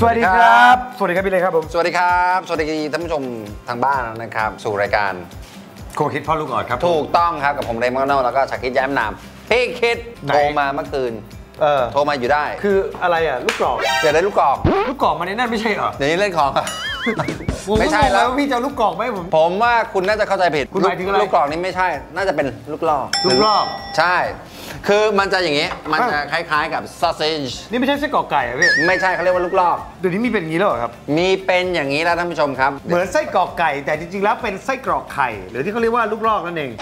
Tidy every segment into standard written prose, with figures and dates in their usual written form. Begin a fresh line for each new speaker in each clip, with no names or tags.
สวัสดีครับสวัสดีครับพี่เลยครับผม
สวัสดีครับสวัสดีท่านผู้ชมทางบ้านนะครับสู่รายการ
โคคิดพ่อลูกอ่อนครับ
ถูกต้องครับกับผมเรมอนแล้วก็ชาคิดแย้มนามพี่คิดโทรมาเมื่อคืนโทรมาอยู่ได้
คืออะไรอ่ะลูกกรอก
เดี๋ยวได้ลูกกรอก
มันในนั่นไม่ใช่เหรอ
เดี๋ยวนี้เล่นของ
ไม่ใช่แล้วพี่จะลูกกรอกไหม
ผมว่าคุณน่าจะเข้าใจผิด
คุณหมายถึงอะไร
ลูกกรอกนี่ไม่ใช่น่าจะเป็นลูกลอกใช่คือมันจะอย่างงี้มันจะคล้ายๆกับซอสเซจ
นี่ไม่ใช่ไส้กรอกไก่อ่ะพี่
ไม่ใช่เขาเรียกว่าลูกลอก
เดี๋ยวนี้มีเป็นอย่างนี้แล้วเหรอครับ
มีเป็นอย่างนี้แล้วท่านผู้ชมครับ
เหมือนไส้กรอกไก่แต่จริงๆแล้วเป็นไส้กรอกไข่หรือที่เขาเรียกว่าลูกลอกนั่นเอง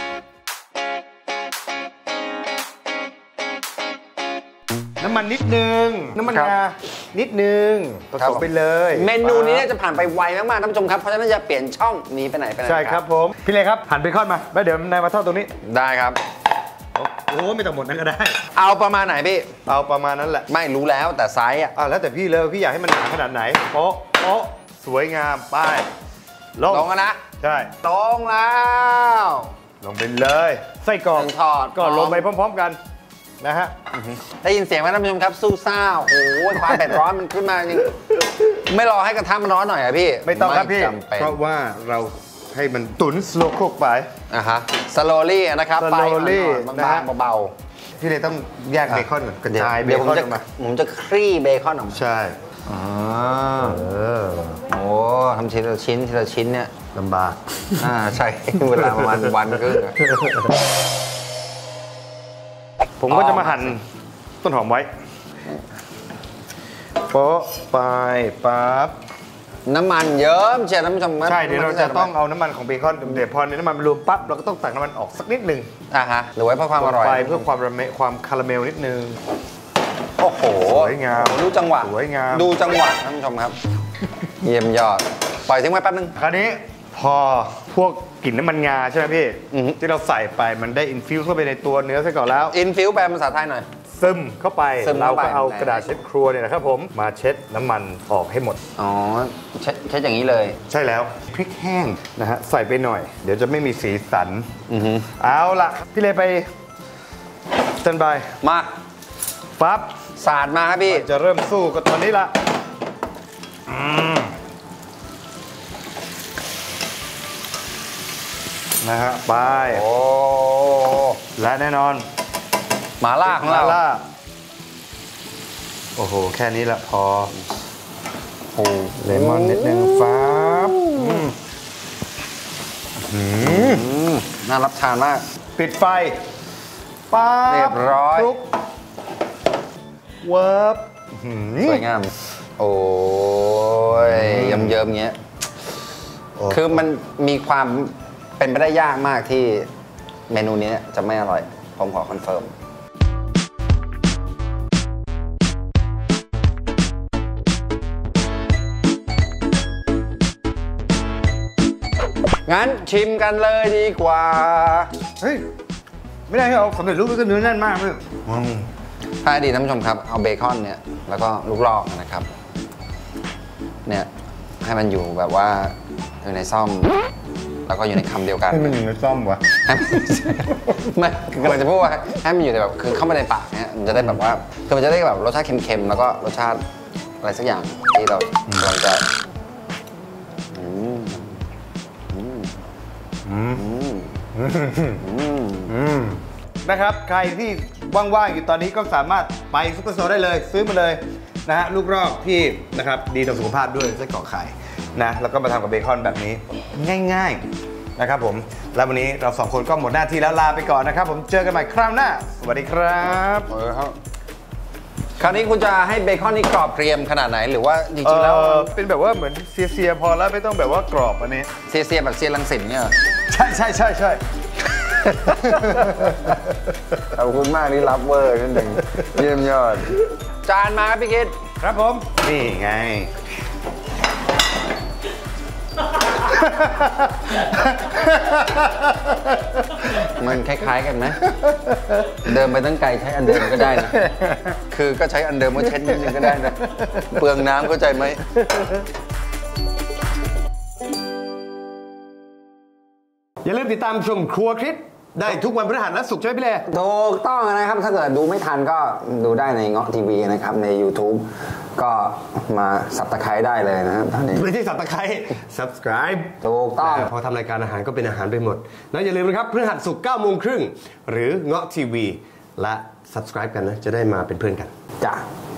น้ำมันนิดนึงน้ำมันงานิดนึงผสมไปเลย
เมนูนี้จะผ่านไปไวมากๆท่านผู้ชมครับเพราะฉะนั้นจะเปลี่ยนช่องนี้ไปไหน
ใช่ครับผมพี่เลยครับหั่นเบคอนมาแล้วเดี๋ยวนายมาทอดตรงนี้
ได้ครับ
โอ้ไม่ต้องหมดนั้นก็ได้
เอาประมาณไหนพี่
เอาประมาณนั้นแหละ
ไม่รู้แล้วแต่ไซส์อ่ะ
แล้วแต่พี่เลยพี่อยากให้มันหนาขนาดไหนโป๊ะสวยงามป้าย
ลงนะ
ใช่
ตรงแล้ว
ลงไปเลยไส้กรอก
ทอด
ก็ลงไปพร้อมๆกันนะฮะ
ได้ยินเสียงไหมท่านผู้ชมครับสู้ซ่าโอ้โหความเผ็ดร้อนมันขึ้นมาจริงไม่รอให้กระทะมันร้อนหน่อยอะพี่
ไม่ต้องครับพี่เพราะว่าเราให้มันตุ๋นสโลว์คุกไป
ฮะสโลลี่นะครับ
ไฟ
บางๆเบา
ๆพี่เลยต้องแยกเบคอนก่อนกระจายเบคอนออกมา
ผมจะคลี่เบคอนออกมา
ใช่
โอ้ทำทีละชิ้นเนี่ย
ลำบาก
ใช่เวลาประมาณวันครึ่ง
ผมก็จะมาหั่นต้นหอมไว้โป๊ะไปปั๊บ
น้ำมันเยิ้มเชียร์ท่านผู้ชม
ใช่เดี๋ยวเราจะต้องเอาน้ำมันของเบคอนเดี๋ยวพอน้ำมันมันรวมปั๊บเราก็ต้องตักน้ำมันออกสักนิดนึง
หรือไว้เพื่อความอร่อย
ไปเพื่อความคาราเมลนิดนึง
โอ้โห
สวยงาม
ดูจังหวะ
สวยงาม
ดูจังหวะท่านผู้ชมครับเยี่ยมยอดปล่อยทิ้งไว้แป๊บนึง
คราวนี้พอพวกกลิ่นน้ำมันงาใช่ไหมพี่ที่เราใส่ไปมันได้อินฟิวเข้าไปในตัวเนื้อซะก่อนแล้ว
อินฟิวแปลภาษาไทยหน่อย
ซึมเข้าไปเราก็เอากระดาษเช็ดครัวเนี่ยนะครับผมมาเช็ดน้ำมันออกให้หมด
เช็ดอย่างนี้เลย
ใช่แล้วพริกแห้งนะฮะใส่ไปหน่อยเดี๋ยวจะไม่มีสีสันเอาละพี่เลยไปสแตนบาย
มา
ปั๊บ
สาดมาครับพี่
จะเริ่มสู้กับตอนนี้ละนะฮะไปและแน่นอน
หม่าล่าของเรา
โอ้โหแค่นี้ละพอเลมอนนิดนึงฟ้า
น่ารับทานมาก
ปิดไฟป๊าบ
เรียบร้อย
เวิร์บ
สวยงามโอ้ยเยิ้มๆเงี้ยคือมันมีความเป็นไปได้ยากมากที่เมนูนี้จะไม่อร่อยผมขอคอนเฟิร์มงั้นชิมกันเลยดีกว่า
เฮ้ยไม่ได้เอาสำเร็จรูปก็เนื้อแน่นมากเลย
ถ้าดีท่านผู้ชมครับเอาเบคอนเนี่ยแล้วก็ลูกลอกนะครับเนี่ยให้มันอยู่แบบว่าอยู่ในซ่อมแล้วก็อยู่ในคำเดียวกัน
ให้มันอยู่ในซ่อมวะ
ไม่กำลังจะพูดว่าให้มันอยู่ในแบบคือเข้ามาในปากเนี่ยมันจะได้แบบว่าคือมันจะได้แบบรสชาติเค็มๆแล้วก็รสชาติอะไรสักอย่างที่เรากำลังจะ
นะครับใครที่ว่างๆอยู่ตอนนี้ก็สามารถไปซุปเปอร์โซได้เลยซื้อมาเลยนะฮะลูกรอกที่นะครับดีต่อสุขภาพด้วยไส้กรอกไข่นะแล้วก็มาทำกับเบคอนแบบนี้ง่ายๆนะครับผมแล้ววันนี้เราสองคนก็หมดหน้าที่แล้วลาไปก่อนนะครับผมเจอกันใหม่คราวหน้าสวัสดีครับ
คราวนี้คุณจะให้เบคอนนี่กรอบเกรียมขนาดไหนหรือว่าจริงๆแล้ว
เป็นแบบว่าเหมือนเสียพอแล้วไม่ต้องแบบว่ากรอบอันนี้
เสียแบบเสียรังสิตเนี่ย
ใช่
ขอบคุณมากนี่รับเวอร์นิดหนึ่งเยี่ยมยอดจานมาครับพี่คิด
ครับผมนี่ไง
มันคล้ายๆกันไหมเดิมไปตั้งไกลใช้อันเดิมก็ได้นะคือก็ใช้อันเดิมก็เช็ดนิดนึงก็ได้นะเปลืองน้ำเข้าใจไหม
อย่าลืมติดตามชมครัวคริสได้ทุกวันพฤหัสและศุกร์ใช่ไหมพี่เล่
ถูกต้องนะครับถ้าเกิดดูไม่ทันก็ดูได้ในเงาะทีวีนะครับใน YouTube ก็มาสับตะไคร้ได้เลยนะตอนนี้
ไม่ใช่สับตะไคร้ subscribe
ถูกต้อง
พอทำรายการอาหารก็เป็นอาหารไปหมดแล้วอย่าลืมนะครับพฤหัสศุกร์ 9 โมงครึ่งหรือเงาะทีวีและ subscribe กันนะจะได้มาเป็นเพื่อนกัน
จ้ะ